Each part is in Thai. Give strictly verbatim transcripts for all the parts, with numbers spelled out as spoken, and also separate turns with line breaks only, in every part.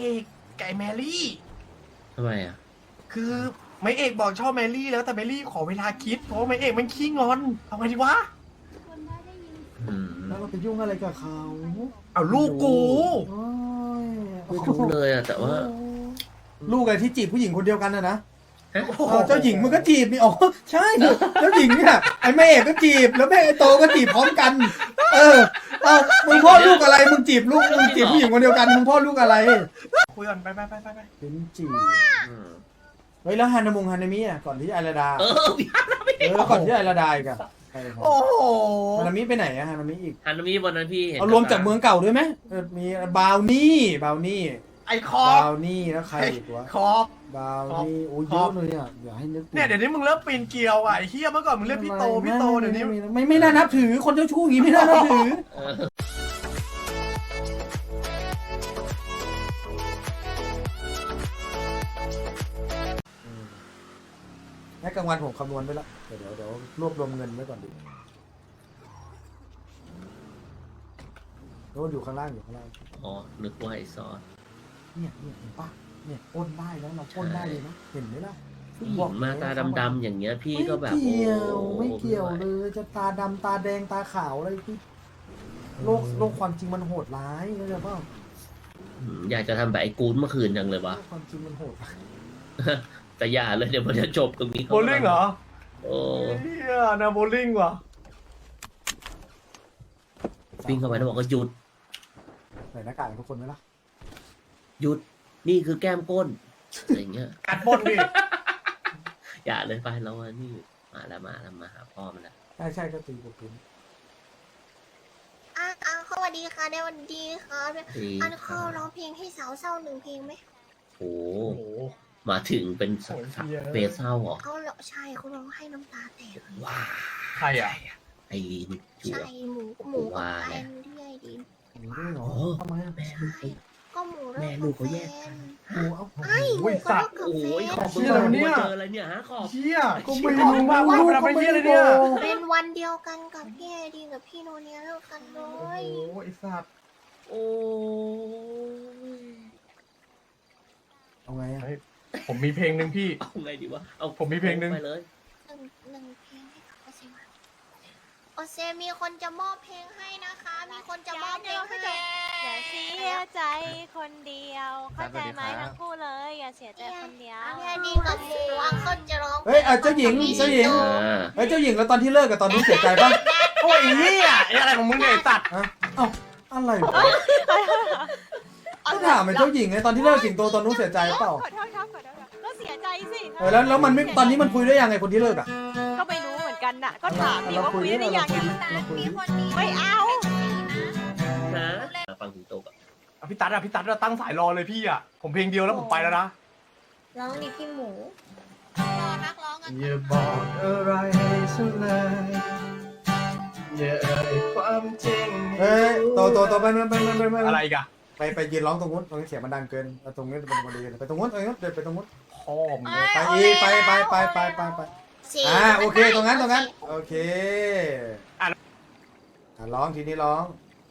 อกไก่แมรี่
ทำไมอ่ะ
คือไม่เอกบอกชอบแมรี่แล้วแต่แมรี่ขอเวลาคิดเพราะไม่เอกมันขี้งอนทำไงดีวะ
อืม
แล้วเราไปยุ่งอะไรกับเขา
เอาลูกกู
โอ้ย
ไม่รู้เลยอ่ะแต่ว่า
ลูกอะไรที่จีบผู้หญิงคนเดียวกันนะนะ
ฮะ
เออเจ้าหญิงมันก็จีบนี่อ๋อใช่เจ้าหญิงเนี่ยไอ้แม่เอกก็จีบแล้วแม่ไอ้โตก็จีบพร้อมกัน เออเอามึงพ่อลูกอะไรมึงจีบลูกมึงจีบผู้หญิงคนเดียวกันมึงพ่อลูกอะไร
คุยก่อนไปไปไปไปไป
เป็นจีบ
อืม
เฮ้ยแล้วฮานามุงฮานามิอ่ะก่อนที่ไอราดา
เออพี่ฮันนามิ
เออแล้วก่อนที่ไอราดาอีกอะใครครับ
โอ้โห
ฮานามิไปไหนอะฮานามิอีก
ฮันนามิวันนั้นพี่เห็น
เอารวมจากเมืองเก่าด้วยไหมเออมีบาวนี่บาวนี่
ไอคอบ
บาวนี่แล้วใครอีกวะ
คอบ
บาวนี่โอ้ย
ค
เย
รั
อะ
บ
เลยอ่ะอย่าให้นึก
เนี่ยเดี๋ยวนี้มึงเริ่มปีนเกลียวอ่ะไอ้เฮียเมื่อก่อนมึงเรียกพี่โตพี่โตเดี๋ยวนี้
ไม่ไม่ไม่น่านับถือคนเจ้าชู้อย่างนี้ไม่น่านับถือ
เออ
ให้กลางวันผมคำนวณไว้แล้วเดี๋ยวเดี๋ยวเดี๋ยวรวบรวมเงินไว้ก่อนดิโน้ตอยู่ข้างล่างอยู่ข้างล่าง
อ๋อนึกว่าไอซอส
เนี่ยเนี่ยเห็นปะเนี่ยปล้นได้แล้วเราปล้นได้เลยนะเห็นไหมล่ะ
ผู้หญิงมาตาดำๆอย่างเงี้ยพี่ก็แบบ
ไม่เกี่ยว
โอ้
ไม่เกี่ยว
ไห
เลยจะตาดำตาแดงตาขาวอะไรที่โลกโลกความจริงมันโหดร้ายเข้าใจเปล่า
อืมอยากจะทำแบบไอ้กูนเมื่อคืนจังเลยวะ
โลกความจริงมันโหดร้าย
แต่อย่าเลยเดี๋ยวมันจะจบตรงนี้
โบลิ่งเหรอ
โอ้
เฮียนะโบลิ่งว่ะ
วิ่งเข้าไปแล้วบอกก็หยุด
ใส่หน้ากากทุกคนไหมล่ะ
หยุดนี่คือแก้มก้นอะไรอย่างเงี้ย
กัดบนดิ
อย่าเลยไปแล้วอะนี่มาแล้วมาแล้วมาหาพ่อมันแล้ว
ใช่ใช่ก็ตีกับพื้น
อ่ะอ่ะสวัสดีค่ะในวันดีครับ
ดี
อันเขาร้องเพลงให้สาวเศร้าหนึ่งเพลงไหม
โอ้
โอ้โห
มาถึงเป็นสัก
โอ้ยเหี้ย
เฟสเศร้าเหรอ
เขาร้องใช่เขาร้องให้น้ำตาแตก
ว้า
ใครอ่ะ
ไอ้ลีนจั่ว
ใช่หมูหมูกับแฟนเรื่อยดี
อย่างนี้ด้วยเหรอ
โอ้
ทำไมอะ
แม่ลูกเขา
ก็หมูเลิ
แม่
ก
ลู
กับ
กเขาแย
แฟ
ก
น
หมูเอา
ไอ้หมูก็เลิกกับ
โอ้
แฟ
ย
น
ขอบมึง
เชี่ยอะไรวะเนี่ย
มาเจออะไรเนี่ยฮะขอบ
เฮีย
ก็ไม่
รู้
รู้
ว่าว่ามันเป็นเฮียอะไรเนี่ย
เป็นวันเดียวกันกับพี่ไอดีกับพี่โนเนียเลิกกันเล
โอ้
ย
โหไอ้สัตว์
โอ้ย
เอาไงอะ
ผมมีเพลงหนึ่งพี่
เอาไงดีวะเอา
ผมมีเพลงหนึ่ง
ไปเลย
หนึ่งหนึ่งเพลงให้กับโอเซมาโอเซมีคนจะมอบเพลงให้นะคะ มีคนจะมอบเพลงให้
อย่าเสียใจคนเดียวเข้าใจไหมทั้งคู่เลยอย่าเสียใจคนเดียว
พี่ไอดีกับหมูอังเคิลจะร้อง
เฮ้ยเออเจ้าหญิงเจ้าหญิง
อ่า
เฮ้ยเจ้าหญิงแล้วตอนที่เลิกกับตอนนี้เสียใจป่ะ
โอ้ยไอ้เฮียไอ้อะไรของมึงเนี่ยไอ้สัตว์
ฮะเอ้าอะไรวะก็ถามไอ้เจ้าหญิงไงตอนที่เลิกสิงโตตอนนู้นเสียใจเปล่า
ขอโทษครับขอโทษครับก็เสียใจสิ
เออแล้วแล้วมันไม่ตอนนี้มันคุยได้ยังไงคนที่เลิกอ่ะ
ก็ไม่รู้เหมือนกันน่ะก็ถามดิ
เรา
ว่า
คุ
คุ
ย
ย
ได้
ได้
ยั
ยัง ง
เราคุย
มีคนนี้
ไม่เอา
นะฟังถึงโตกับ
อ่ะพี่ตั๊ดอ่ะพี่ตั๊ดเราตั้งสายรอเลยพี่อ่ะผมเพลงเดียวแล้วผมไปแล้วนะ
ร้องดิพี่หมูรอนักร้องกัน
อย่าบอกอะไรให้ฉันเลยอย่าเอ่ยความจริง
เฮ้ยโตโตโตไปไปไปไปไป
อะไรอีกัน
ไปไปยืนร้องตรงนู้นตรงนี้เสียงมันดังเกินเอาตรงนี้เป็นพอดีไปตรงนู้นตรงนู้นเดินไปตรงนู้น
พ่อมึง
ไปอีกไปไปไปไปไปไปอ่าโอเคตรงนั้นตรงนั้นโอเคอ่ะร้องทีนี้ร้อง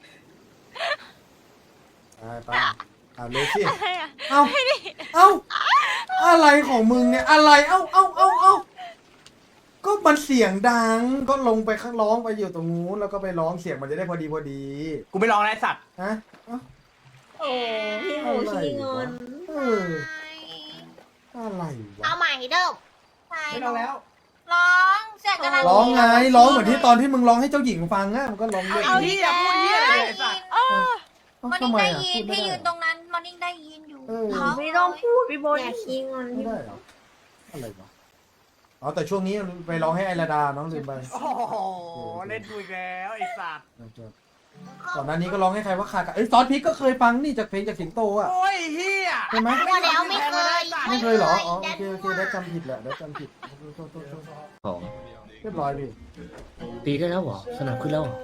ไปไปอ่าเลยสิ
อะไรอ่ะ
เอ้าเอ้าอะไรของมึงเนี่ยอะไรเอ้าเอ้าเอ้าเอ้าก็มันเสียงดังก็ลงไปข้างร้องไปอยู่ตรงนู้นแล้วก็ไปร้องเสียงมันจะได้พอดีพอดี
กูไม่ร้องแล้วไอ้สัตว์
ฮะเอ้า
โอ้พี่หมูขี้งอน
เอออะไรวะ
เอาใหม่เดิม
ไม่ร้องแล้ว
ร้องเสียงกำลัง
ร้องไงร้องเหมือนที่ตอนที่มึงร้องให้เจ้าหญิงฟังอะมันก็ร้องเล่น
ไอ้เหี้ยพูดเหี้ยอะไรเนี่ยไอ้สัตว์
เออ
เอ้า
มัน
ทำไม
ได้
อะ
ยิ
พู
น
ดไม่
พี่
ได้
ยืนตรงนั้นมันนิ่งได้ยินอยู่
เออ
ไม่ต้องพูดพี่บอลอย่าขี้งอน
ไม่ได้เหรออะไรวะอ๋อแต่ช่วงนี้ไปร้องให้ไอราดาน้องลืมไป
โอ้โหเล่นกูอีกแล้วไอ้สัตว์
ก่อนหน้านี้ก็ร้องให้ใครว่าขาดกันเอ้ยซอสพริกก็เคยฟังนี่จากเพลงจากสิงโตอ่ะ
โอ้ยเฮีย
ใช่ไหม
ว่าแล้วไม่เคย
ไม่เคยเหรออ๋อโอเคโอเคได้จำผิดแหละได้จำผิดโทษโทษโทษ
ของ
เรียบร้อยพี่
ตีได้แล้วเหรอสนับขึ้นแล้วเหรอ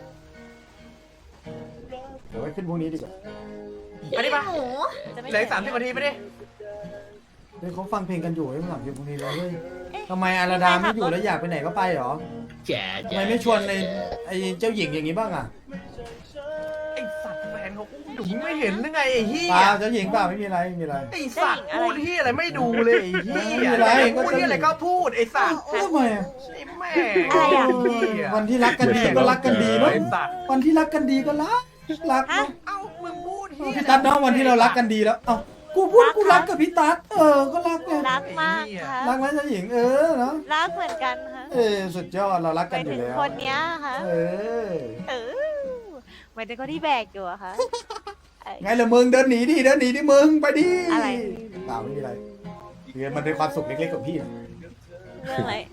เดี๋ยวไว้ขึ้นพวกนี้ดีกว่า
อันนี้ปะ
หมู
จะไม่
เหลือสามสิบนาทีไปดิ
เฮ้ยเขาฟังเพลงกันอยู่ไอ้หลังเพลงพวกนี้แล้วเฮ้ยทำไมอาราดาไม่อยู่แล้วอยากไปไหนก็ไปเหรอ
แจ๋
ทำ
แจ๋
ไมไม่ชวนในไอ้เจ้าหญิงอย่างนี้บ้างอ่ะ
ไอ้สัตว์แฟนเขาอุ้มดุญิงไม่เห็นหรือไงไอ้เหี้
เป
ย
ล่าเจ้าหญิงเปล่าไม่มีอะไรไม่มีอะไร
ไอ้สัตว์พูดที่อะไรไม่ดูเลยไอ้เหี้ย
ไม่เป็นไร
พูดที่อะไรก็พูดไอ้สัตว์
ทำไมอะ
ไอ้แม่
อะไรอะ
เหี้ย
วันที่รักกันดีก็รักกันดีเนาะ
ไอ้สัตว์
วันที่รักกันดีก็รักรัก
ฮะ
เนาะ
เอ้ามึงพูดเหี้ย
พี่ตั๊ดเนาะวันที่เรารักกันดีแล้วเอ้ากูพูดกูรักกับพี่ตั๊ดเออก็รักไง
รักมากค่ะ
รักไหมเจ้าหญิงเออเนาะ
รักเหมือนกันค่ะ
เออสุดยอดเรารัก
ไป
กันอยู่
ถึง
แล้ว
คนเนี้ยค่ะ
เออ
เออหมายถึงคนที่แบกอยู่อะค่ะเอ้ย
ไงล่ะมึงเดินหนีดิเดินหนีดิมึงไปดิ
อะไร
เปล่าไม่มีอะไรเรียนมันเป็นความสุขเล็กๆของพี่อะ
เรื่องอะไร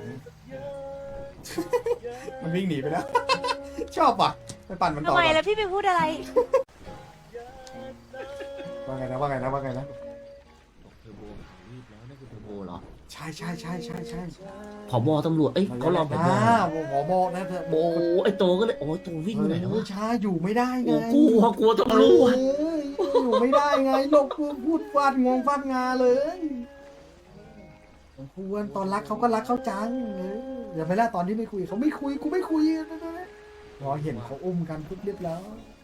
มันวิ่งหนีไปแล้ว ชอบว่ะไปปั่นมันต่
ทำ
อ
ไม
ก่อน
แล้วพี่ไปพูดอะไร
ว่าไงนะว่าไงนะว่าไงนะ
บอกเทอร์โบหายรีบแล้วนั่นคือเทอร์โบเหรอ
ใช่ใช่ใช่ใช่ใช่
ผบตำรวจเอ้ยเขารองผบ
อ่าผบนะเธอ
โอ้ไอโตก็เลยโอ้ยโตวิ่งไปไหนแล้ว
เออ
วะ
ช้าอยู่ไม่ได้ไง
โอ้กลัวกลัวตำรวจ
เอออยู่ไม่ได้ไงโลกพูดฟาดงงฟาดงาเลยควรตอนรักเขาก็รักเขาจังเอออย่าไปละตอนที่ไม่คุยเขาไม่คุยกูไม่คุยรอเห็นเขาอุ้มกันปุ๊บเรียบร้อย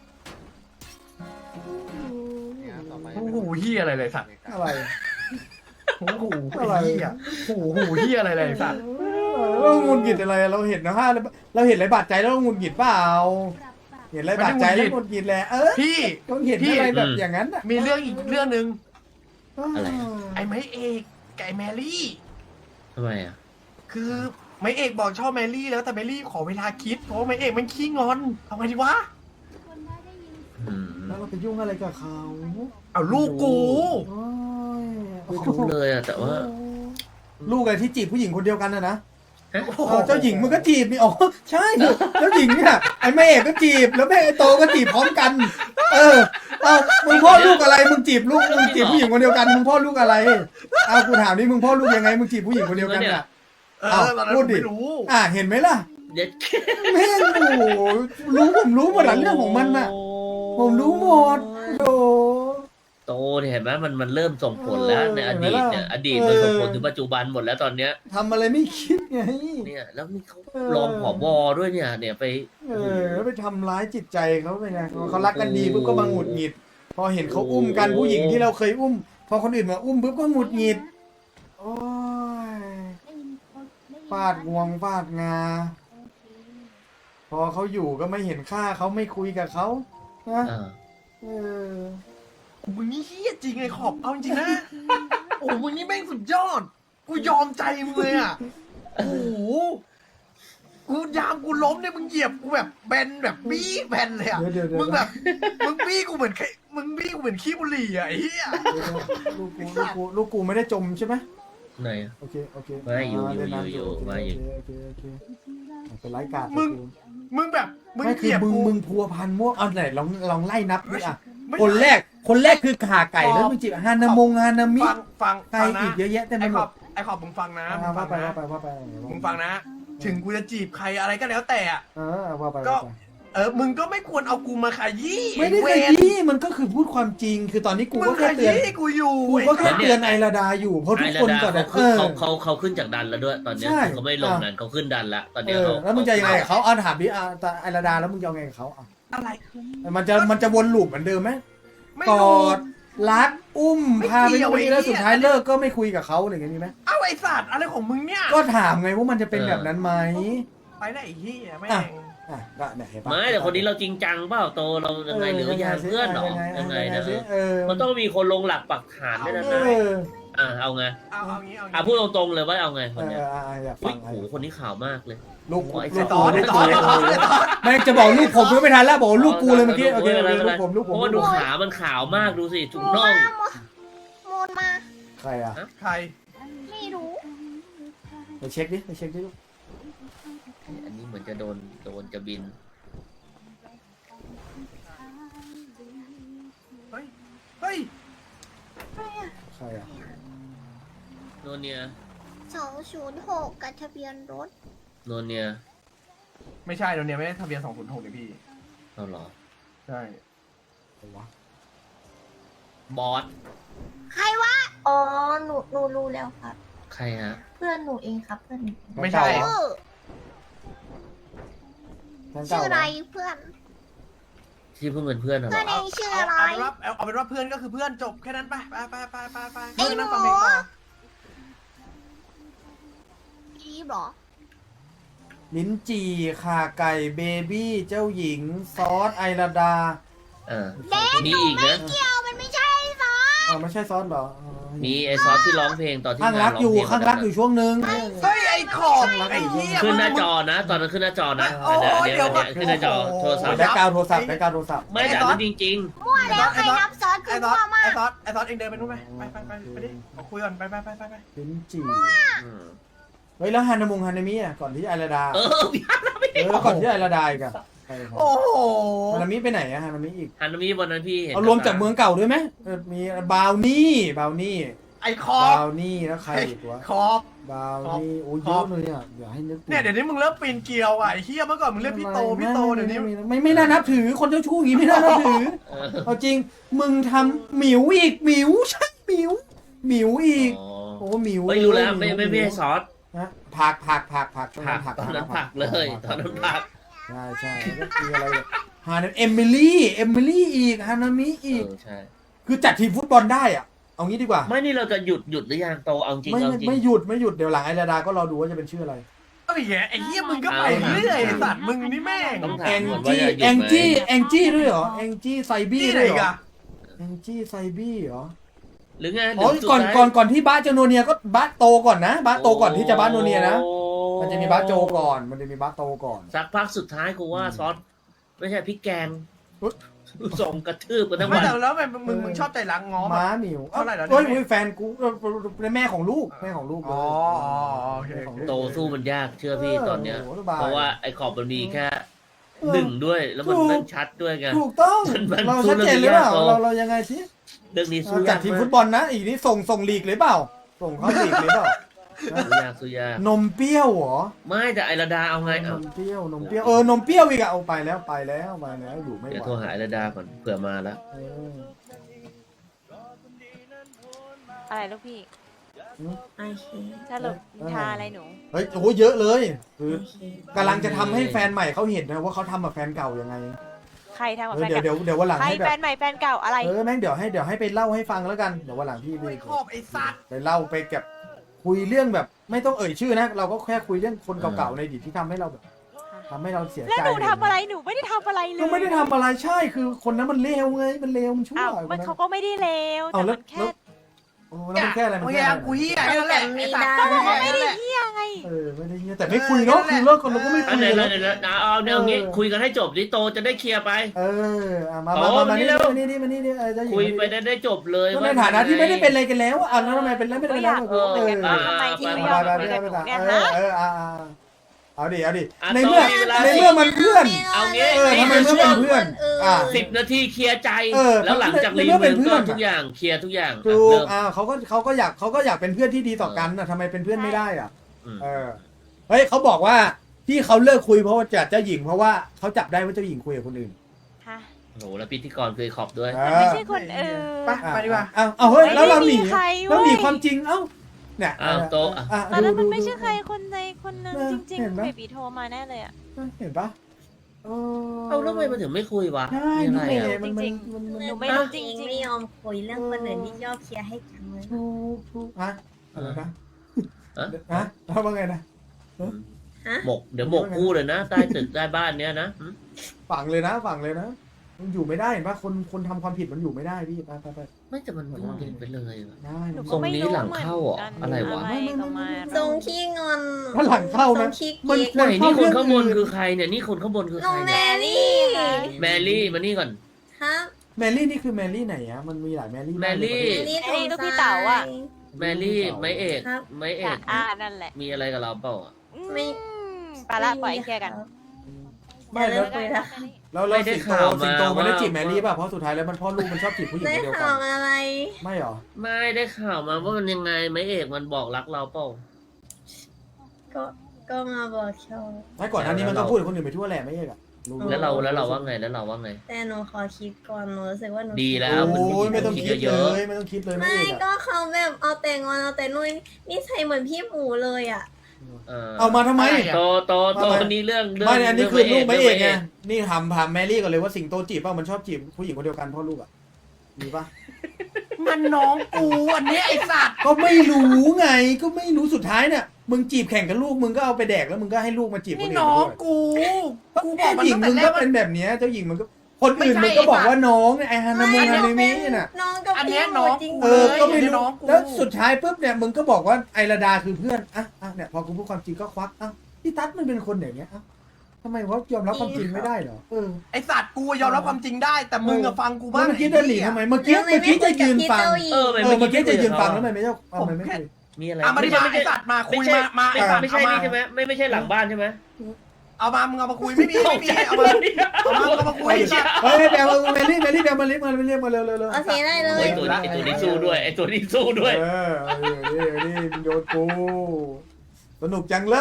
โอ้โหเหี้ยอะไรเลยสัตว์
อะไร
โอ้โหไอ้เหี้ยโอ้โหเหี้ยอะไรเลยสัตว์
เราหงุดหงิดอะไรเราเห็นนะฮะเราเห็นอะไรบาดใจแล้วเราหงุดหงิดเปล่าเห็นอะไรบาดใจแล้วหงุดหงิดแหละเออ
พี่
ต้องเห็นอะไรแบบอย่างนั้นอ่ะ
มีเรื่องอีกเรื่องหนึ่ง
อะไร
ไอ้ไม้เอกกับไอ้แมรี่
ทำไมอ่ะ
คือไม้เอกบอกชอบแมรี่แล้วแต่แมรี่ขอเวลาคิดเพราะว่าไม้เอกมันขี้งอนทำไงดีวะ
อืม
แล้วเราไปยุ่งอะไรกับเขา
เอาลูกกู
โอ้ย
ไม่รู้เลยอ่ะแต่ว่า
ลูกอะไรที่จีบผู้หญิงคนเดียวกันนะนะ
ฮะ
โอ้โห
เออเจ้าหญิงมันก็จีบนี่อ๋อใช่เจ้าหญิงเนี่ยไอ้แม่เอกก็จีบแล้วแม่ไอ้โตก็จีบพร้อมกัน เออเอามึงพ่อลูกอะไรมึงจีบลูกมึงจีบผู้หญิงคนเดียวกันมึงพ่อลูกอะไรเอากูถามนี่มึงพ่อลูกยังไงมึงจีบผู้หญิงคนเดียวกันอ่ะ
เอ
เอา
อตอนนั้น
พู
ผ
ด
ม
ดิ
ไม่รู้
อ่ะเห็นไหมล่ะ
เด็ด
แม่งโอ้โหรู้ผมรู้หมดหลังเรื่องของมันน่ะ ผมรู้หมดโอ้
โตเนี่ยเห็นไหมมันมันเริ่มส่งผลแล้วในอดีตเนี่ยอดีตมันส่งผลถึงปัจจุบันหมดแล้วตอนเนี้ย
ทำอะไรไม่คิดไง
เนี่ยแล้วนี่เขา
เออ
รองผบด้วยเนี่ย เนี่ยไป
เออแล้วไปทำร้ายจิตใจเขาไปไงเขารักกันดีปุ๊บก็มาหงุดหงิด พอเห็นเขาอุ้มกันผู้หญิงที่เราเคยอุ้ม พอคนอื่นมาอุ้มปุ๊บก็หงุดหงิด โอ้ยฟาดงวงฟาดงา พอเขาอยู่ก็ไม่เห็นค่าเขาไม่คุยกับเขานะ
อ่า
เออ
มึงนี่เฮี้ยจริงไอ้ขอบเอาจริงๆนะ โอ้มึงนี่แม่งสุดยอด กูยอมใจมึงเลยอ่ะ โอ้โห กูยามกูล้มเนี่ยมึงเหยียบกูแบบแบนแบบบี้แบนเลยอ่ะ
เดี๋ยวเดี๋ยวเดี๋ยว
มึงแบบ มึงบี้กูเหมือนไข่มึงบี้กูเหมือนขี้บุหรี่อ่ะไอ้เหี้ย
ลูกกูลูกกูลูกกูไม่ได้จมใช่ไหม
ไหนอะ
โอเคโอเค
ไม่อยู่
า
อยู่
เล่นน้ำ
อยู่
โเค
มาอยู่
โอเคโอเคโอเคเป็นไร้กาด
มึง มึงแบบมึง
ไม่
เห
คือ
ยียบ
มึง
กู
มึงพัวพันมั่วเอาไหนลองลองไล่นับดิอ่ะ
ไม่
คนแรกคนแรกคือขาไก่แล้วมึงจีบฮานามงฮานามิ
ฟังฟัง
ไก่
ฟังนะ
อีกเยอะแยะเต็มไป
ไอ้
ห
ข
ม
อ
ด
บไอ้ขอบมึงฟังนะ
อ่า
มึงฟั
ว่าง ไป
นะ
ว่าไปว่าไป
มึงฟังนะ ถึงกูจะจีบใครอะไรก็แล้วแต่อ่ะ
เออว่าไป
ก็
ว่าไป
เออ มึงก็ไม่ควรเอากูมาขยี้
ไม่ได้
เว
ข
ร
ยี้มันก็คือพูดความจริง คือตอนนี้กู
มึ
ก็
งข
แค่เตือน
ยี้กูอยู่
กูก็แค่เตือนไอราดาอยู่เพราะ
ไอ
ทุก
ระ
คน
ดา
ก่อน
เขา
นะเอ
ขึ้น
อ
เขาเขาเขาขึ้นจากดันแล้วด้วย ตอนเนี้ย
ใช่
เขาไม่ลง
อ่ะ
นั้นเขาขึ้นดันละตอน
เอ
เนี้ย
อ
เขา
แล้วมึงจะยังไงกับเขาเอาถามดิอ่ะแต่ไอราดาแล้วมึงจะยังไงกับเขาอ่ะ
อะไร
มันจะมันจะวนลูปเหมือนเดิมไหม
ไม่
ก
รู้
อดรักอุ้ม
ไม่
พาไป
เกี่ยว
คุยแล้ว
ไอ้เหี้ย
สุดท้ายเลิกก็ไม่คุยกับเขาอะไรอย่างนี้ไหม
เอ้าไอ้สัตว์อะไรของมึงเนี่ย
ก็ถามไงว่ามันจะเป็นแบบนั้นไหม
ไปได้ไอ้เหี้ยแม่
อ่ะ
ง
อ่ะก็เนี่ยเห็นปะ
ไม่แต่คนนี้เราจริงจังเปล่าโตเรายังไงหรือยังเพื่อนเหรอยังไงนะ
สิเออ
มันต้องมีคนลงหลักปักฐานด้วยนะ
เอ
นะ
อ
อ่าเอาไง
เอาเอางี้เอา
อ่ะ
งี้
พูดตรงๆเลยว่าเอาไงค
เอน อ
เนี้ย
อ่ะอ่ะอยาก
อุ้
ฟั
ย
ง
โหคนนี้ขาวมากเลย
ลูก
โอ้ย
ลูก
ต่อ
กู
ไอ้
ลูก
ต่อ
กู
ไอ้ต่อไอ้ต่อ
ไม่จะบอกลูกผมไม่ทันแล้วบอกลูกกูเลยเมื่อกี้โอเค
ไม่
โอ
เป็น
เค
ไร
ลูกผมลูก
เพ
ผม
ราะว่าดูขามันขาวมากดูสิถุง
มู
น่อง
มามูนมา
ใครอ่ะ
ใคร
ไม่รู้
ไปเช็คดิไปเช็คดิลูก
อันนี้เหมือนจะโดนโดนจะบิน
เฮ้ย เฮ้ย
ใครอ่ะ
โนเนีย
สองศูนย์หกกับทะเบียนรถ
โนเนีย
ไม่ใช่เดี๋ยวนี้ไม่ได้ทะเบียนสองศูนย์หกเลยพี่
เอาเหรอ
ใช่
ใครวะ
บอส
ใครวะ อ๋อ หนู หนูรู้แล้วครับ
ใครฮะ
เพื่อนหนูเองครับ เพื่อนหนู
ไม่ใช่
แฟนเก่า
ชื่อ
แฟน
ชื่
เก่า
อ
เห
อะไร
รอ
เพื่อน
แ
ที่เพิ่งเป็นเพื่อนเหรอ
เพื่อนเองชื่อ
เอา
อะไร
เอาเป็นว่าเอาเอาเป็นว่าเพื่อนก็คือเพื่อนจบแค่นั้นไปไปไปไปไปไป
ไอ้หนู
นั่งฟังเพลงต่อ
อีบเหรอ
ลิ้นจี่ข่าไก่เบบี้เจ้าหญิง ซอสไอราดา
เออมีอีกนะ
เกี่ยวมันไม่ใช่ซอส
อ๋อไม่ใช่ซอสเหรออ๋อ
มีไอซอสที่ร้องเพลงตอนที่
ข้าง
งา
รั
น
ก
ร้อง
อยู่
เพลง
ข้างรักอยู่ช่วงนึง
เฮ้ยไอ้ขอบไอ้เหี้ย
ขึ้นหน้า
มึง
จอนะ ตอนนั้นขึ้นหน้าจอนะ
โอ้
อัน
ย
เนี้ย
เดี๋
เดี๋
ย
ยว วเนี่ยขึ้นหน้าจอโทรศัพท์
แบ็กกราวด์โทรศัพท์แบ็กกราวด์โทรศัพท์
ไม่แต่อันนั้นจริง
มั่วแล้วใครรับซอสคื
ไอ้
อ
ซอ
มั่
ส
วมา
ไอ้
ก
ซอสไอ้ซอสเองเดินไปนู่นไปไปไปไปไปดิมาคุยก่อนไปไปไปไปไป
ลิ้นจี่
ๆอืม
เฮ้ยแล้วฮานามุงฮานามิอ่ะก่อนที่ไอราดา
เออพี่ฮันนามิ
เออก่อนที่ไอราดาอีกอะใช่ครับ
โอ้โห
ฮานามิไปไหนอะฮานามิอีก
ฮันนามิวันนั้นพี่เห็น
เอารวมจากเมืองเก่าด้วยไหมเออมีบาวนี่บาวนี่
ไอ้ขอบบ
าวนี่แล้วใครอีกวะ
ขอบ
บาวนี่โอ้ย
ข
เย
อบ
อะเลยอ่ะอย่าให้นึก
เนี่ยเดี๋ยวนี้มึงเริ่มปีนเกลียวอ่ะไอ้เหี้ยเมื่อก่อนมึงเรียกพี่โตพี่โตเดี๋ยวนี้
ไม่ไม่น่านับถือคนเจ้าชู้อย่างงี้ไม่น่านับถือ
เออ
เอาจริงมึงทำหมิวอีกหมิวใช่หมิวหมิวอีก
อ๋อ
โอ้หมิว
ไม่รู้แล้ว
ห
ไม่ไม่ไม่ให้ซอส
นะผักผักผักผัก
ผักตอนนั้นผักเลยตอนนั้นผัก
ใช่ใช่แล้วก็คืออะไรเนี่ยฮานาเอมิลี่เอมิลี่อีกฮานามิ
เอ
อีก
อใช่
คือจัดทีมฟุตบอลได้อ่ะเอางี้ดีกว่า
ไม่นี่เราจะหยุดหยุดหรือยังโตเอาจริง
ไม่
เอา
ไม่
จริง
ไม่หยุดไม่หยุดเดี๋ยวหลังไอราดาก็รอดูว่าจะเป็นชื่ออะไร
เอ้ยไอ้เหี้ยมึงก็ไปเรื่อยไอ้สัตว์มึงนี่แม่ง
ต้องถา
แอ
ม
ง
ก่อนว่า
จี้
จะหยุดไหม
แองจี้แองจี้ด้วยเหรอแองจี้ไซบี้
ที่ไหน
ด้วยเหร
กั
อน แองจี้ไซบี้เหรอ
หรือไง
อ๋อ
เดี๋ยวสุด
ก่อน
ท้าย
ก่อนก่อนที่บ้าจะโนเนียก็บ้าโตก่อนนะบ้าโตก่อนที่จะบ้าโนเนียนะ
โอ้
มันจะมีบ้าโจก่อน มันจะมีบ้าโตก่อน
สักพักสุดท้ายกูว่าซอสไม่ใช่พริกแกง
อุ๊ย
ส่งกระทืบกันทั้ง
ไม่
วัน
แต่แล้วทำไมมึงมึงชอบใจรังง้อ
ม้า
มา
หมิว
เท่าไหร่แล้วเนี่ย
เอ้ยเฮ้ยแฟนกูเออเป็นแม่ของลูกแม่ของลูกเล
อ๋
ย
ออ๋อโอเคโอเค
โตสู้มันยากเชื่อพี่ตอนเนี้ย
โโหสบย
เพราะว่าไอ้ขอบมันมีแค่
เออ
หนึ่งด้วย แล้วมัน
ถูก
แม่งชัดด้วยไง
ถูกต้อง
มันมัน
เรา
สู้
ชัดเจนหรือเปล่า
เรื่องนี้ยาก
เราเรายังไงสิ
เรื่องนี้สู้
จั
ยา
ด
ก
ทีม
มา
ฟุ
ก
ตบอลนะอีกนี่ส่งส่งลีกเลยเปล่า ส่งเข้าลีกเลยเปล่า
สู้ยากสู้ยาก
นมเปรี้ยวเหรอ
ไม่แต่ไอระดาเอาไง
น
เอา
มเปรี้ยวนมเปรี้ยวเออนมเปรี้ยวอีกอะเอาไปแล้วไปแล้วไปแล้วอยู่ไม่ไห
เดี๋ยว
ว
โทรหาไอระดาก่อนเผื่อมาแล้ว
เออ
อะไรลูกพี่
โอเค
สรุปนิทาอะไรหนู
เฮ้ยโอ้เยอะเลยคือ
โอเค
กำลังจะทำให้แฟนใหม่เขาเห็นนะว่าเขาทำกับแฟนเก่ายังไง
ใครทำกับ
เอ
แฟ
อน เดี๋ยว
เก่า
เดี๋ยวเดี๋ยววันหลัง
ใคร
ให้แบ
แฟ
บ
นใหม่แฟนเก่าอะไร
เออแม่งเดี๋ยวให้เดี๋ยวให้ไปเล่าให้ฟังแล้วกันเดี๋ยววันหลังพี่ไป
ไอ้ขอบไอ้สัตว์
ไปเล่าไปเก็บคุยเรื่องแบบ ไม่ต้องเอ่ยชื่อนะ เราก็แค่คุยเรื่องคนเก่าๆในอดีตที่ทำให้เราแบบทำให้เราเสียใจ
แล้วหนูทำอะไรหนูไม่ได้ทำอะไรเลย
ก็ไม่ได้ทำอะไรใช่คือคนนั้นมันเลวไงมันเลวมันชั่ว
อ้าว
ค
มัน
นั้น
เขาก็ไม่ได้เลว
เอา
แต่
แล้ว
มันแค่
แล้ว โอ้แล้วมันแค่อะไรมัน
โอ้ย
แค่
อ่ะ
อะไร
กูเหี้ยนั่นแหละไอ้สัตว์
ก็บอกว่า
ไอ้
ไม่
นั่น
ได้
แหละ
เฮียไง
เออไม่ได้เงี้ยแต่ไม่คุยเนาะคือเลิกกันเราก็ไม่
อั
คุ
น
ย
ไหน
กัน
เล
เน
ย
อะ
เดี๋ยวนะเอาเดี๋ยวงี้คุยกันให้จบดิโตจะได้เคลียร์ไป
เอออ่ะมา
โอ้
มามามา
นี่
นี่
เร็ว
มานี่นี่มานี่นี่เออเจ้าหญิง
คุยไปได้ได้จบเลย
ก็ในฐานะที่ไม่ได้เป็นอะไรกันแล้วอ่ะแล้วทำไมเป็นแล้วไม่ได้
ก็
เป็น
อยาก
แล้ว
รู้เหมือนกันว่า
เออ
ทำไมที่
ไป
ไม่
ไป
ยอม
ไป
คุยกับหนูเนี่ย
เอ
ฮะ
อเอออ่ะอ่ะเอาดิเอาดิ
อ่ะ
ในเมื่อ
ต่อมีเวลา
ในเมื่อมันเพื่อน
เอางี้
เออทำไมเมื่อเป็นเพื่อนอ่ะ
สิบนาทีเคลียร์ใจ
เออ
แล้วหลังจาก
ใน
รี
เมื่อเป็
วิ
น
ว
เพื่
ก็
อน
ทุกอย่างเคลียร์ทุกอย่าง
ถูก
เริ่ม
อ่าเขาก็เขาก็อยากเขาก็อยากเป็นเพื่อนที่ดีต่อกันนะทำไมเป็นเพื่อนไม่ได้อ่ะ
อืม
เออเฮ้ยเขาบอกว่าที่เขาเลิกคุยเพราะว่าจัดเจ้าหญิงเพราะว่าเขาจับได้ว่าเจ้าหญิงคุยกับคนอื่น
ฮะ
โอ้โหแล้วพิธีกรเคยขอบด้วย
เอ
ไม่
อ
ใช่คนอื่น
ไปไปดีกว่า
อ้าวเอาเฮ้ยแล้วเราหนี
ไม่ได้มีใครเว้ย
เราหนีความจริงเอ้าเนี่ย
อ้าวโต๊ะ
อ่ะ
ตอนนั้น
ดู
มันไม่
ดู
ใช่ใครคนใดคนหนึ่ง
เออ
จริง
เห็น
ๆ
ปะ
เบบีโทรมาแน่เลยอ่ะ
เห็นปะเออ
เอาแล้วทำไมมันถึงไม่คุยวะ
ใช่
มี
นี่
อะไร
แห
อ่ะ
ละมัน
จริ
มัน
ง
มันมัน
หนูไม่รู้จ
จริ
ริ
ง
ง
ไม่ยอมคุยเรื่องคนอื่นที่ชอบเคลียร์ให้จังเลย
ถูกถูกอะอะไรนะ
ฮะ
ฮะแล้วว่าไงนะ
ฮะ
หมกเดี๋ยวหมกคู่เลยนะใต้ตึกใต้บ้านเนี้ยนะหืม
ฝังเลยนะฝังเลยนะมันอยู่ไม่ได้เห็นปะคนคนทำความผิดมันอยู่ไม่ได้พี่ไปไปไป
ไม่แต่มันพูดเด่นไปเลยว่ะ
ได้
ๆหนู
ท
ก็
รง
ไม่
นี้
รู้
หลัง
เหมือน
เข้าเหรอ
กัน
อะไรวะ
อะไรก็มา
ทรงขี้งอน
ถ้าหลังเข้า
ทร
นะ
งขี้
มัน
เกียจ
ควร
ไหน
เข้า
นี่ค
เรื่
น
อง
ข้างบน
อื่น
คือใครเนี่ยนี่คนข้างบนคือ
น้
ใค
อ
รง
แม
เนี่ย
รี่
แมรี่มานี่ก่อน
ครับ
แมรี่นี่คือแมรี่ไหนอะมันมีหลายแมรี่าก
แมรี่
ในประเทศ
นี่
ไอ้ลูกพี่เต๋าอะ
แมรี่ไม้เอกไม้เอก
อ่านั่นแหละ
มีอะไรกับเราเปล่าอ่ะ
ไม่
อืมไปละปล่อยเคลียร์กัน
ไม่
เดี๋
แล้
ยว วคุยแล้ว
แล้วแล้ว
ไม่ได้
สิงโต
ข่าวมา
สิงโตไม่ได้
ว่า
จีบแมรี่ป่ะเพราะสุดท้ายแล้วมันพ่อลูกมันชอบจีบผู้หญิง
ได้
คนเดียวกั
ข่าวน อะไร
ไม่หรอ
ไม่ได้ข่าวมาว่ามันยังไงไม้เอกมันบอกรักเราเปล่า
ก็ก็มาบอกชอบ
ไม่ก่อนหน้านี้มันก็พูดกับคนอื่นไปทั่วแหละไม่ใช่เหรอรู้
แล้วเราแล้วเราว่าไงแล้วเราว่าไง
แต่หนูขอคิดก่อนหนูรู้สึกว่าหนู
ดีแล้ว
โอ้ยไม่ต้อง
คิด
คิด
เย
เล
อะ
ยไม่ต้องคิดเลยไม่
ไม่
เอกอะ
ก็เขาแบบเอาแต่งอนเอาแต่นุ่นนี่ใส่เหมือนพี่หมูเลยอ่ะ
เอามาทำไม
อะไรอะ
โตโตโต
ทำไม
นี่เรื่องเรื่อง
ไม่เนี่ยอันนี้คือลูกไม่เอกไง
รื่อง
นี่ถามถามแมรี่ก่อนเลยว่าสิงโตจีบป่ะมันชอบจีบผู้หญิงคนเดียวกันพ่อลูกอ่ะมีป่ะ
มันน้องกูอันเนี้ยไอ้สัตว์
ก็ไม่รู้ไงก็ไม่รู้สุดท้ายเนี่ยมึงจีบแข่งกับลูกมึงก็เอาไปแดกแล้วมึงก็ให้ลูกมาจีบคน
นี่
อื่น
น้อง
ด้วย
กูกูบอ
เจ้าก
มัน
หญิง
ตั้ง
มึ
แต่
ง
แร
ก็
กว่า
เป็นแบบเนี้ยเจ้าหญิงมันก็คนอื่น
ไม่
มึง
ใช่
ก็บอก
ไอ้สัตว์
ว่าน้องเนี่ยไอฮานามุง
ไม่
ฮานามิ
เป็น
น่ะ
น้องกับ
อันเนี้
พี่
ย
ห
น้
นู
อง
จริง
เออก็ไม่
เลย
รู้
น้องกู
แล้วสุดท้ายปุ๊บเนี่ยมึงก็บอกว่าไอระดาคือเพื่อนอ่ะอ่ะเนี่ยพอกูพูดความจริงก็ควักอ่ะพี่ตั๊ดมันเป็นคนอย่างเงี้ยอ่ะทำไมวะยอมรับความจริงไม่ได้เหรอเออ
ไอ้สัตว์กูยอมรับความจริงได้ แต่มึงอะฟังกู
เมื่
บ้าง
อกี้เดินหลีทำไมเมื่อกี้เมื่อกี้จะยืนฟัง
เออ
เออเมื่อกี้จะยืนฟังแล้วทำไมไม่เจ้าเอาทำไมไม่คุย
มีอะไร
อ่ะมาดิมา
ไม่
ไอ้
ใช่
สัตว์มาคุ
ไม่
ย
ใช่
มามา
ไม่
ไอ้สัตว์
ไม่ใช่
เอามา
นี่ใช่ไหมไม่ไม่ใช่หลังบ้านใช่ไหม
เอามามึงเอามาคุยไม่มีไม่มีเอามาเอามาเอามาคุยไอ้สัตว์
เฮ้ยแบลมาเมลี่เมลี่แบลมาเรียกมาเรียกมาเร็วเร็วเร็ว
เอาสีได้เล
ไอ้
ย
ตัวนี้ไอ้ตัวนี้สู้ด้วยไอ้ตัวนี้สู้ด้วย
เออนี่นี่โยนกูสนุกจังเลย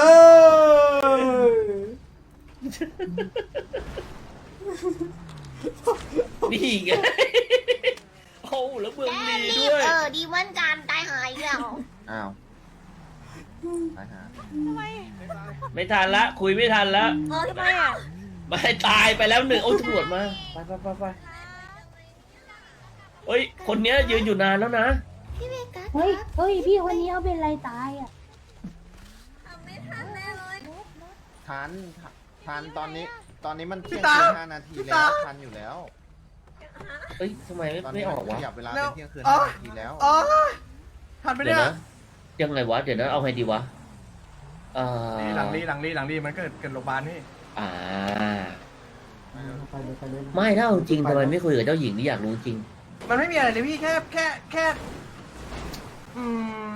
นี่ไงโอ้แล้วเมือง
แก
ดี
รี
ด้
บ
วย
เออดีเหมือนกันตายหายแล้ว
อ้าวไปหา
ไม่ทันละ คุยไม่ทันละ
เออทำไมอ่ะ
ไม่ตายไปแล้วหนึ่งโอ้ยตำรวจมาไปไปไปไปเฮ้ยคนเนี้ยยืนอยู่นานแล้วนะ
พี่เวกัส
เฮ้ย เฮ้ย พี่คนนี้เขาเป็นอะไรตายอ่ะ
ไม่ทันแน่เลย
ทันทันตอนนี้ ตอนนี้มันเที่ยง
พี่ตา
คืนห้านาที
พี่
แล้
ตา
วทันอยู่แล้ว
เอ้ยทำไมไม่
ตอน
ไม่
นี้
อ
มั
อก
น
วะ
ขยับเวลา
แล้
เป็
ว
นเที่ยงคืน
อ๋อ
ห้านาทีแล้ว
อ๋อทันไป
เดี๋
เนี่ย
วย นะยังไงวะเดี๋ยวนะเอาไงดีวะเอ่อ
หลังรีหลังรีหลังรีมันเกิดเกิดโรงพยาบาลนี่
อ่า
ไปเลยไปเลย
ไม่ถ้าเอาจริงทำไมไม่คุยกับเจ้าหญิงนี่อยากรู้จริง
มันไม่มีอะไรเลยพี่แค่แค่แค่อืม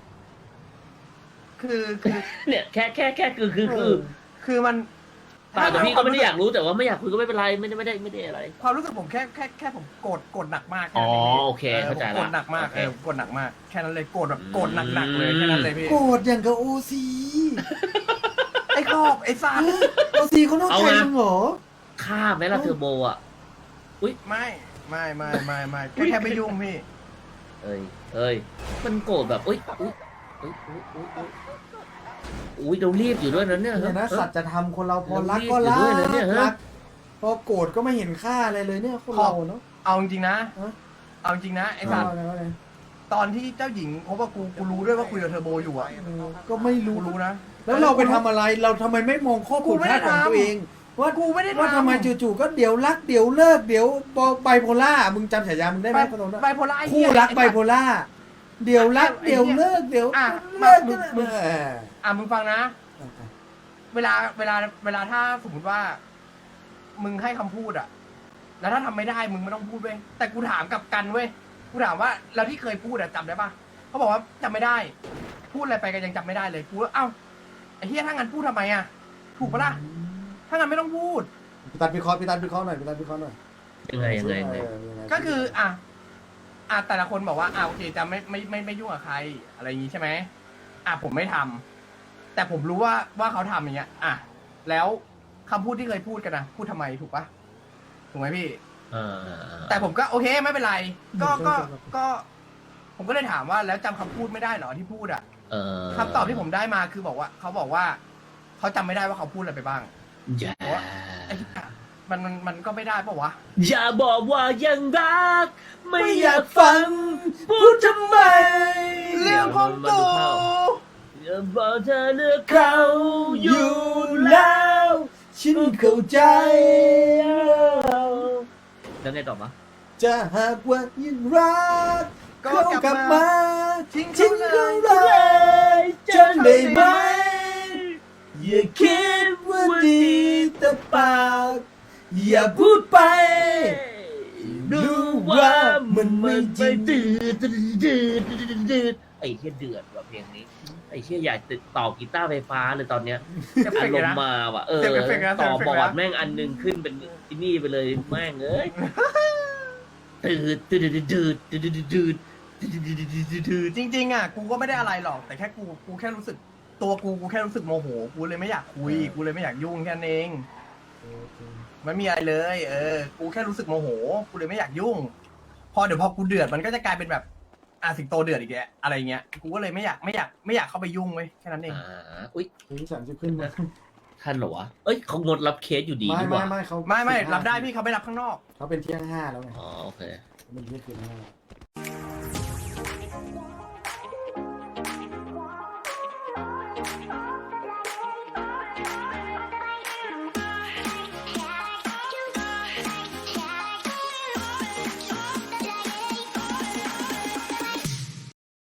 คือคือ
เนี่ยแค่แค่แค่คือคือคือ
คือมัน
เปล่าแต่พี่ก็ไม่ได้อยากรู้แต่ว่าไม่อยากคุยก็ไม่เป็นไรไม่ได้ไม่ได้ไม่ได้อะไร
ความรู้สึกผมแค่แค่แค่ผมโกรธโกรธหนักมากแค่
อ๋อ
นั้นง
โอเคเข้าใจ
ผม
ละ
โกรธหนักมาก
โอเค
เออโกรธหนักมากแค่นั้นเลยโกรธแบบ
อืม
โกรธหนักๆเลยแค่นั้นเลยพี่
โกรธอย่างกับโอซี
ไอ้ขอบไอ้สัตว์
โอซีเขานอกใจมึงเหรอ
ฆ่าไหมล่ะเทอร์โบอ่ะ
ไม่ไม่ไม่ไม่ไม่แค่แค่ไม่ยุ่งพี่
เอ้ยเอ้ยมันโกรธแบบอุ้ยอุ้ยอุ้ยอุ้ยอุ้ยอุ้ยอุ้ยเรารีบอยู่ด้วยนะเนี่ย
เนี่ยนะ
เฮ้ย
สัตว์จะทำคนเราพอ
เรา
รัก
รีบ
ก็
อยู่
รั
ด้วยนะเนี่ย
ก
ฮะ
รักพอโกรธก็ไม่เห็นค่าอะไรเลยเนี่ยคนเราเนาะ
เอาจริงๆนะ
ฮะ
เอาจริงนะไอ้สัตว์
เอาอะไรเอาอะไร
ตอนที่เจ้าหญิงเพราะว่ากูกูรู้ด้วยว่าคุยกับเทอร์โบอยู่อะ
เออก็ไม่รู้
กูรู้นะ
แล้วเราไปทำอะไรเราทำไมไม่มองข้อ
กู
ผิด
ไม่
พ
ได้
ลาดของ
ทำ
ตัวเอง ว่า
กูไม่ได้
ว่า
ทำ
ทำไมจู่ๆก็เดี๋ยวรักเดี๋ยวเลิกเดี๋ยวไบโพล่ามึงจำฉายามึงได้ไห
ไบ
มคนนั้น
ไบโพล่าไอ้
คู่
เหี้ย
รักไบโพล่าเดี๋ยวรักเดี๋ยวเลิกเดี๋ยว
อ่ะ
เลิก
มึงมึง
เออ
อ่ะมึงฟังนะ เวลาเวลาเวลาถ้าสมมติว่า มึงให้คำพูดอะแล้วถ้าทำไม่ได้มึงไม่ต้องพูดเว้ยแต่กูถามกลับกันเว้ยกูถามว่าแล้วที่เคยพูดอะจำได้ปะเขาบอกว่าจำไม่ได้ พูดอะไรไปก็ยังจำไม่ได้เลยกูว่าเอ้าไอ้เฮียถ้างั้นพูดทำไมอะถูกปะล่ะถ้างั้นไม่ต้องพูด
พี่ตัดพิเคราะห์พี่ตัดพิเคราะห์หน่อยพี่ตัดพิเคราะห์หน่อย
ยังไงยังไงยังไง
เออยังไง
ก็คืออ่ะอ่ะแต่ละคนบอกว่าอ่ะโอเคจะไม่ไม่ไม่ไม่ยุ่งกับใคร อะไรอย่างงี้ใช่ไหมอ่ะผมไม่ทำแต่ผมรู้ว่าว่าเขาทำอย่างเงี้ย อ่ะแล้วคำพูดที่เคยพูดกันนะพูดทำไมถูกปะถูกไหมพี่
อ่า
แต่ผมก็โอเคไม่เป็นไร ก็ก็ก็ ผมก็เลยถามว่าแล้วจำคำพูดไม่ได้เหรอที่พูดอ่ะ
เออ
คำตอบที่ผมได้มาคือบอกว่าเขาบอกว่าเขาจำไม่ได้ว่าเขาพูดอะไรไปบ้าง
อย่า
ไอ้เหี้ยมันมันมันก็ไม่ได้ปะวะ
อย่าบอกว่ายังรัก ไม่อ
ไม่อยาย
าก ก
ฟั
ฟั
ง
ง
พูดทำไม
เรื่องของกู
อย่าบอกเธอเลือกเขาอ
อยู่ ยู่แล้ว ฉันเข้าใจ
แล้วไงต่อมะ
จะหากว่ายังรัก
ก็
เขา
ก
ก
ลั
ลั
บบ มา
มา
ทิ้ง
ทิ้ง
เขา
เขา
เล
เลย ยจนได้ไหมอย่าคิดว่าดีแต่ปากอย่าพูดไปรู้ว่ามันไม่จริง
ดืดดืดดืดดืดดืดไอ้เชี่ยเดือดว่ะเพลงนี้ไอ้เชี่ยอยากติดต่อกีตาร์ไฟฟ้าเลยตอนเนี้ย
เอฟเฟ
อาก
ต์
ร
เลย
ม
นะ
ณ์มาว่ะเออ
เสียงเอฟเฟกต์นะเสี
ต่
ยง
อ
เอฟเฟกต์
บอ
นะ
ร์ดแม่งอันหนึงขึ้นเป็นไอ้นี่ไปเลยแม่งเอ้ยตืดตืดตืดตืดตืดตืดตืดตืด
จริงๆอ่ะกูก็ไม่ได้อะไรหรอกแต่แค่กูกูแค่รู้สึกตัวกูกูแค่รู้สึกโมโหกูเลยไม่อยากคุยกูเลยไม่อยากยุ่งแค่นั้นเองไม่มีอะไรเลย เออ กูแค่รู้สึกโมโหกูเลยไม่อยากยุ่ง พอเดี๋ยวพอกูเดือดมันก็จะกลายเป็นแบบอ่ะสิงโตเดือดอีกแกอะไรเงี้ยกูก็เลยไม่อยากไม่อยากไม่อยากเข้าไปยุ่งเว้ยแค่นั้นเอง
อ่าอุ้ย
ถึงสามสิบขึ้นมา
ท่านเหรอวะเอ้ยเขางดรับเคสอยู่ดี
ไม่
นี่ห
ไม่
ว่า
ไม่เขา
ไม่ไม่
สิห้า
รับได้พี่เขาไม่รับข้างนอก
เขาเป็นเที่ยงห้าแล้วไง
อ๋อโอเค
เขาเป็นเที่ยงคืนห้า